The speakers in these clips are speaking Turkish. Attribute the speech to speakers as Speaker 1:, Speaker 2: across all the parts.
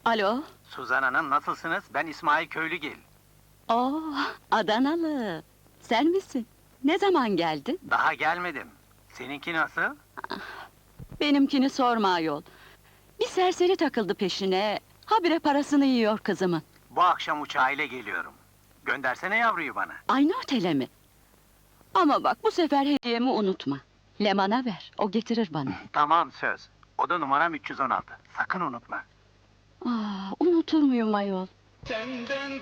Speaker 1: Alo?
Speaker 2: Suzan Hanım, nasılsınız? Ben İsmail Köylügil.
Speaker 1: Oo, Adanalı! Sen misin? Ne zaman geldin?
Speaker 2: Daha gelmedim. Seninki nasıl?
Speaker 1: Benimkini sorma ayol. Bir serseri takıldı peşine, habire parasını yiyor kızımın.
Speaker 2: Bu akşam uçağıyla geliyorum. Göndersene yavruyu bana.
Speaker 1: Aynı otele mi? Ama bak, bu sefer hediyemi unutma. Leman'a ver, o getirir bana.
Speaker 2: Tamam, söz. Oda numaram 316. Sakın unutma.
Speaker 1: Unutur muyum ayol?
Speaker 2: Senden...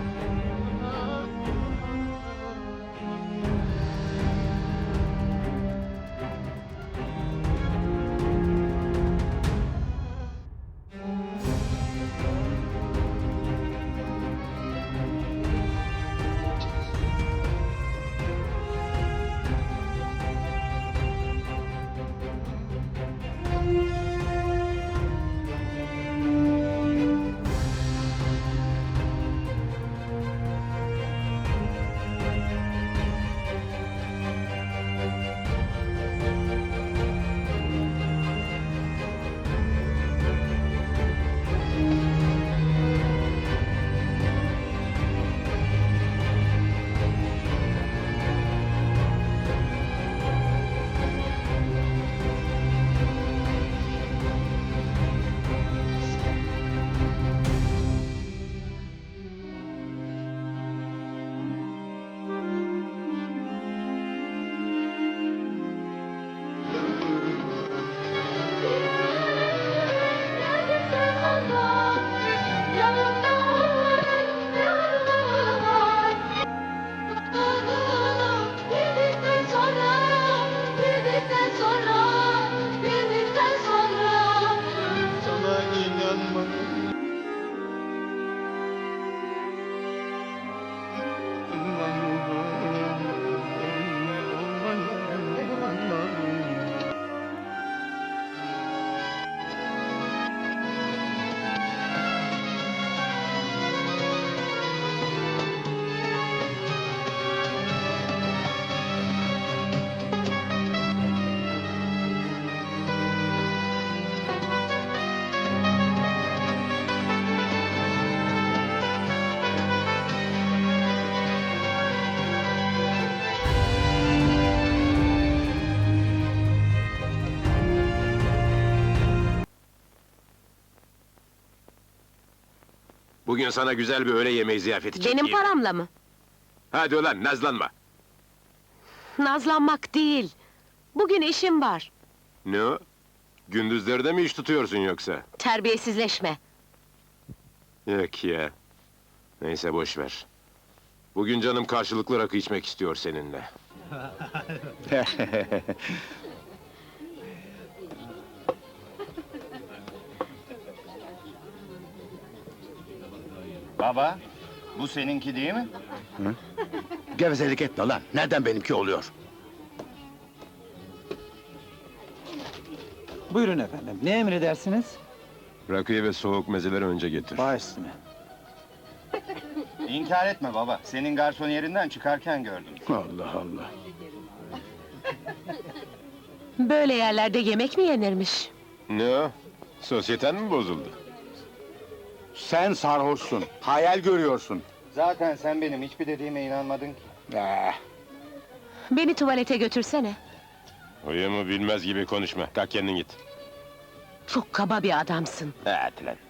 Speaker 3: Bugün sana güzel bir öğle yemeği ziyafeti
Speaker 4: Benim
Speaker 3: çekeyim.
Speaker 4: paramla mı?
Speaker 3: Hadi ulan, nazlanma!
Speaker 4: Nazlanmak değil. Bugün işim var.
Speaker 3: Ne o? Gündüzleri de mi iş tutuyorsun yoksa?
Speaker 4: Terbiyesizleşme.
Speaker 3: Yok ya! Neyse, boş ver. Bugün canım karşılıklı rakı içmek istiyor seninle.
Speaker 5: Baba, bu seninki değil mi?
Speaker 6: Gevezelik etme lan, nereden benimki oluyor?
Speaker 7: Buyurun efendim, ne emredersiniz?
Speaker 3: Rakıyı ve soğuk mezeleri önce getir.
Speaker 7: Baş üstüne.
Speaker 5: İnkar etme baba, senin garson yerinden çıkarken gördüm.
Speaker 6: Allah Allah!
Speaker 4: Böyle yerlerde yemek mi yenirmiş?
Speaker 3: Ne o? Sosyeten mi bozuldu?
Speaker 6: Sen sarhoşsun, hayal görüyorsun.
Speaker 5: Zaten sen benim hiçbir dediğime inanmadın ki.
Speaker 4: Beni tuvalete götürsene.
Speaker 3: Huyumu bilmez gibi konuşma, kalk kendin git.
Speaker 4: Çok kaba bir adamsın.
Speaker 3: Hadi lan!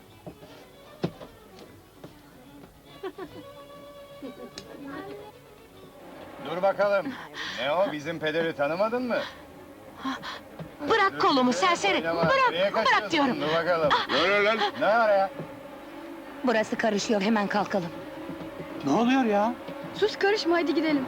Speaker 5: Dur bakalım, ne o, bizim pederi tanımadın mı?
Speaker 4: Bırak kolumu serseri!
Speaker 5: Oynama, nereye
Speaker 4: Bırak! Bırak
Speaker 5: kaçıyorsun?
Speaker 4: diyorum!
Speaker 5: Dur bakalım.
Speaker 3: Ne oluyor lan?
Speaker 5: Ne var ya?
Speaker 4: Burası karışıyor, hemen kalkalım.
Speaker 7: Ne oluyor ya?
Speaker 1: Sus, karışma, hadi gidelim.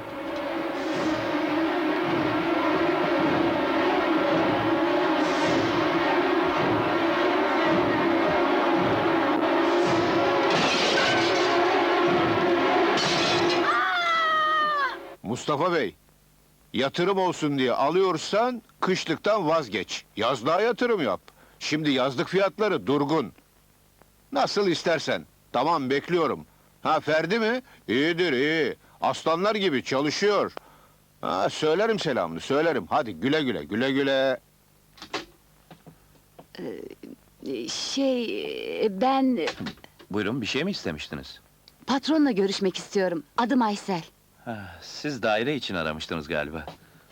Speaker 6: Mustafa Bey, yatırım olsun diye alıyorsan, kışlıktan vazgeç. Yazlığa yatırım yap. Şimdi yazlık fiyatları durgun. Nasıl istersen. Tamam, bekliyorum. Ha, Ferdi mi? İyidir, iyi. Aslanlar gibi çalışıyor. Ha, söylerim selamını, söylerim. Hadi güle güle, güle güle.
Speaker 1: Ben
Speaker 8: Buyurun, bir şey mi istemiştiniz?
Speaker 1: patronla görüşmek istiyorum. Adım Aysel.
Speaker 8: Ha, siz daire için aramıştınız galiba.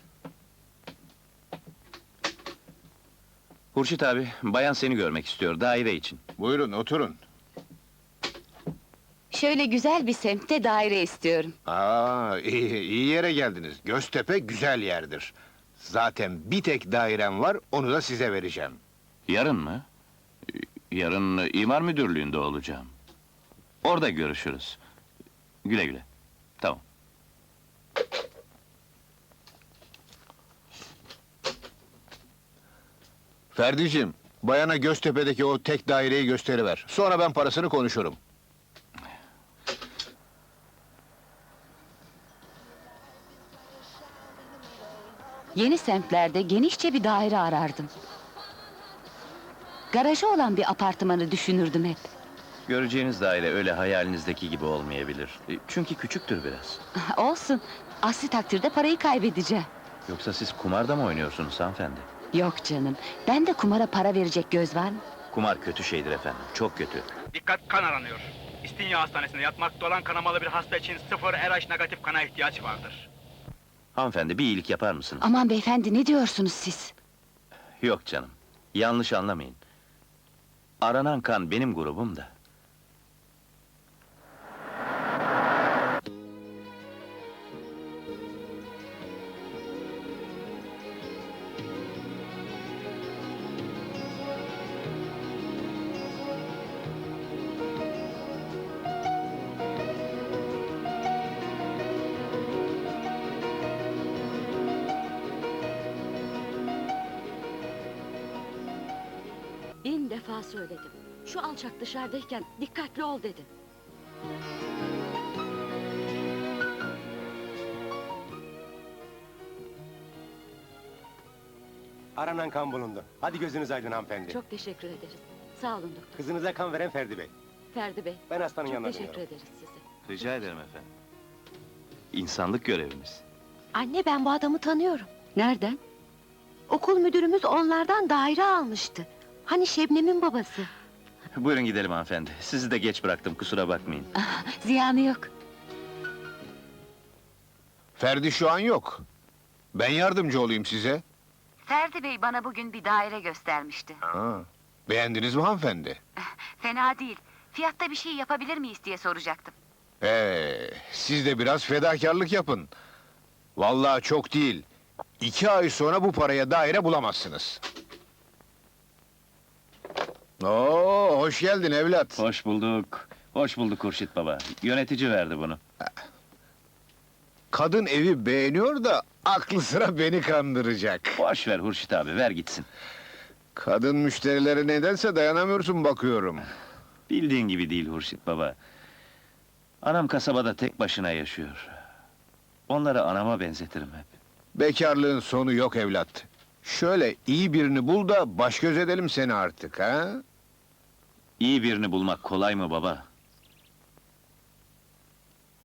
Speaker 8: Hurşit abi, bayan seni görmek istiyor, daire için.
Speaker 6: Buyurun oturun.
Speaker 1: Şöyle güzel bir semtte daire istiyorum.
Speaker 6: İyi yere geldiniz. Göztepe güzel yerdir. Zaten bir tek dairem var, onu da size vereceğim.
Speaker 8: Yarın mı? Yarın imar müdürlüğünde olacağım. Orada görüşürüz. Güle güle. Tamam.
Speaker 6: Ferdiciğim, bayana Göztepe'deki o tek daireyi gösteriver. Sonra ben parasını konuşurum.
Speaker 1: Yeni semtlerde genişçe bir daire arardım. Garajı olan bir apartmanı düşünürdüm hep.
Speaker 8: Göreceğiniz daire öyle hayalinizdeki gibi olmayabilir. Çünkü küçüktür biraz.
Speaker 1: Olsun, aksi takdirde parayı kaybedeceğim.
Speaker 8: Yoksa siz kumarda mı oynuyorsunuz hanımefendi?
Speaker 1: Yok canım, ben de kumara para verecek göz var mı?
Speaker 8: Kumar kötü şeydir efendim, çok kötü.
Speaker 2: Dikkat, kan aranıyor. İstinye Hastanesi'nde yatmakta olan kanamalı bir hasta için 0 RH negatif kana ihtiyaç vardır.
Speaker 8: Hanımefendi, bir iyilik yapar mısınız?
Speaker 1: Aman beyefendi, ne diyorsunuz siz?
Speaker 8: Yok canım, yanlış anlamayın. Aranan kan benim grubum da.
Speaker 1: Bin defa söyledim. Şu alçak dışarıdayken dikkatli ol dedim.
Speaker 9: Aranan kan bulundu. Hadi gözünüz aydın hanımefendi.
Speaker 1: Çok teşekkür ederiz. Sağ olun doktor.
Speaker 9: Kızınıza kan veren Ferdi Bey.
Speaker 1: Ferdi Bey,
Speaker 9: Ben hastanın
Speaker 1: çok
Speaker 9: yanına
Speaker 1: teşekkür
Speaker 9: dönüyorum.
Speaker 1: ederiz size.
Speaker 8: Rica ederim efendim. İnsanlık görevimiz.
Speaker 4: Anne, ben bu adamı tanıyorum.
Speaker 1: Nereden?
Speaker 4: Okul müdürümüz onlardan daire almıştı. Hani Şebnem'in babası.
Speaker 8: Buyurun gidelim hanımefendi. Sizi de geç bıraktım, kusura bakmayın.
Speaker 1: Ziyanı yok.
Speaker 6: Ferdi şu an yok. Ben yardımcı olayım size.
Speaker 1: Ferdi Bey bana bugün bir daire göstermişti.
Speaker 6: Beğendiniz mi hanımefendi?
Speaker 1: Fena değil. Fiyatta bir şey yapabilir miyiz diye soracaktım.
Speaker 6: Siz de biraz fedakarlık yapın. Vallahi çok değil. 2 ay sonra bu paraya daire bulamazsınız. Oo, hoş geldin evlat.
Speaker 8: Hoş bulduk. Hoş bulduk Hurşit baba. Yönetici verdi bunu.
Speaker 6: Kadın evi beğeniyor da aklı sıra beni kandıracak.
Speaker 8: Boş ver Hurşit abi, ver gitsin.
Speaker 6: Kadın müşterilere nedense dayanamıyorsun bakıyorum.
Speaker 8: Bildiğin gibi değil Hurşit baba. Anam kasabada tek başına yaşıyor. Onları anama benzetirim hep.
Speaker 6: Bekarlığın sonu yok evlat. Şöyle iyi birini bul da baş göz edelim seni artık ha?
Speaker 8: İyi birini bulmak kolay mı baba?